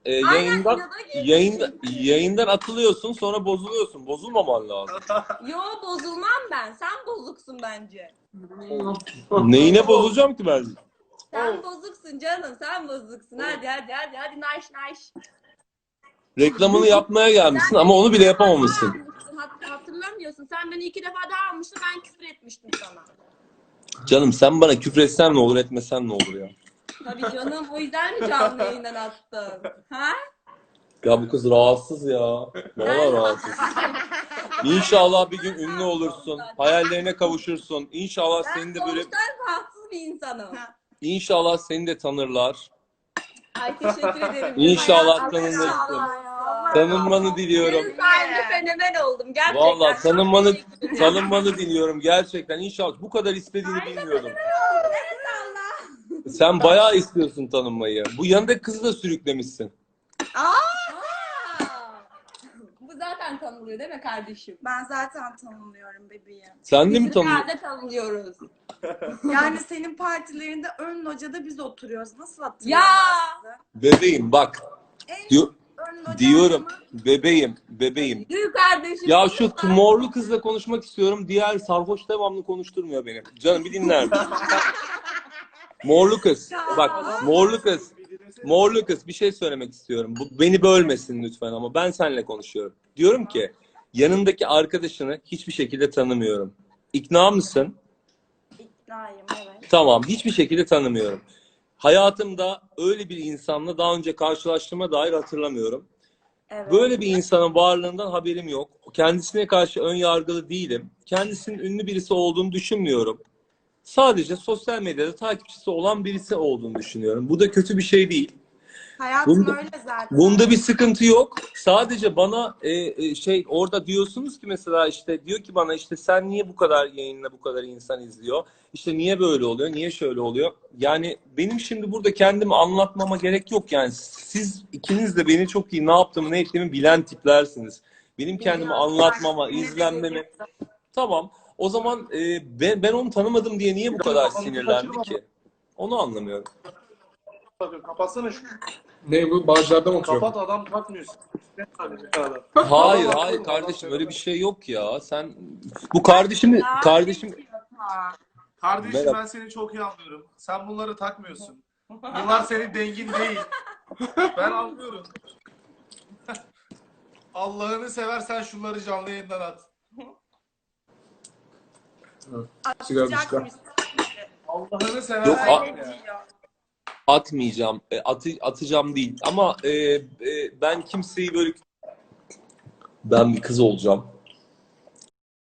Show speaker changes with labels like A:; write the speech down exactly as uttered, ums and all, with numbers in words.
A: e,
B: Aynen,
A: yayından
B: inada girmişsin.
A: yayında, yayından atılıyorsun, sonra bozuluyorsun. Bozulmaman lazım.
B: Yo, bozulmam ben. Sen bozuksun bence.
A: Neyine bozulacağım ki ben?
B: Sen bozuksun canım. Sen bozuksun. Hadi hadi hadi. Hadi nice nice.
A: Reklamını yapmaya gelmişsin ama onu bile yapamamışsın.
B: Hat hatırlamıyorsun. Sen beni iki defa daha almıştın. Ben küfür etmiştim sana.
A: Canım sen bana küfretsen ne olur, etmesen ne olur ya?
B: Tabii canım. O yüzden mi canlı yayından attın? Ha?
A: Ya bu kız rahatsız ya. Vallahi rahatsız. İnşallah bir gün ünlü olursun. Hayallerine kavuşursun. İnşallah
B: Ben
A: seni de böyle
B: doğuştan rahatsız bir insanım.
A: İnşallah seni de tanırlar.
B: Ay, teşekkür ederim.
A: İnşallah
B: Hayatım,
A: tanınırsın.
B: inşallah.
A: Tanınmanı diliyorum.
B: Gün sayende fenomen oldum. Gerçekten.
A: Vallahi tanınmanı
B: Çok teşekkür ederim.
A: tanınmanı diliyorum gerçekten. İnşallah bu kadar istediğini bilmiyordum.
B: Evet Allah.
A: Sen bayağı istiyorsun tanınmayı. Bu yanındaki kızı da sürüklemişsin.
B: Aa! Bu zaten tanınıyor değil mi kardeşim?
C: Ben zaten tanımlıyorum bebeğim.
A: Sen de mi
B: Biz
A: tanıyorsun?
B: nerede tanınıyoruz?
C: Yani senin partilerinde ön locada biz oturuyoruz. Nasıl
B: Ya!
C: hatırlamazsın?
A: Bebeğim bak.
C: En
A: Diyor,
C: ön loca
A: diyorum.
C: adamı-
A: Bebeğim, bebeğim.
B: Gül kardeşim.
A: Ya şu morlu kızla konuşmak istiyorum. Diğer sarhoş devamlı konuşturmuyor beni. Canım bir dinler misin? Morlu kız. Bak morlu kız. Morlu kız bir şey söylemek istiyorum. Bu, beni bölmesin lütfen ama ben seninle konuşuyorum. Diyorum ki yanındaki arkadaşını hiçbir şekilde tanımıyorum. İkna mısın?
C: İknayım, evet.
A: Tamam, hiçbir şekilde tanımıyorum. Hayatımda öyle bir insanla daha önce karşılaştığıma dair hatırlamıyorum.
C: Evet.
A: Böyle bir insanın varlığından haberim yok. Kendisine karşı ön yargılı değilim. Kendisinin ünlü birisi olduğunu düşünmüyorum. Sadece sosyal medyada takipçisi olan birisi olduğunu düşünüyorum. Bu da kötü bir şey değil.
C: Hayatım
A: Bunda-
C: öyle zaten.
A: Bunda bir sıkıntı yok. Sadece bana e, e, şey orada diyorsunuz ki mesela işte diyor ki bana işte sen niye bu kadar yayınla bu kadar insan izliyor? İşte niye böyle oluyor? Niye şöyle oluyor? Yani benim şimdi burada kendimi anlatmama gerek yok yani. Siz ikiniz de beni çok iyi ne yaptığımı ne ettiğimi bilen tiplersiniz. Benim kendimi
C: Biliyorum.
A: anlatmama,
C: Ne
A: izlenmeme.
C: demek?
A: Tamam. O zaman e, ben, ben onu tanımadım diye niye bu kadar sinirlendi ki? Onu anlamıyorum.
D: Bakın kapatsana şu.
E: Ne bu? Bağcılar'da mı oturuyor?
D: Kapat adam takmıyorsun.
A: Hayır, hayır kardeşim öyle bir şey yok ya. Sen bu kardeşimi kardeşim
D: Kardeşim
A: Merhaba.
D: ben seni çok iyi anlıyorum. Sen bunları takmıyorsun. Bunlar senin dengin değil. Ben anlıyorum. Allah'ını seversen şunları canlı yayından at.
E: Sigara bir sigara.
C: Atacakmışsın.
D: Allah'ını
A: Yok,
D: seversen
A: a-
C: Öyle
D: ya.
C: diyor.
A: atmayacağım. E, atı, atacağım değil. Ama e, e, ben kimseyi böyle ben bir kız olacağım.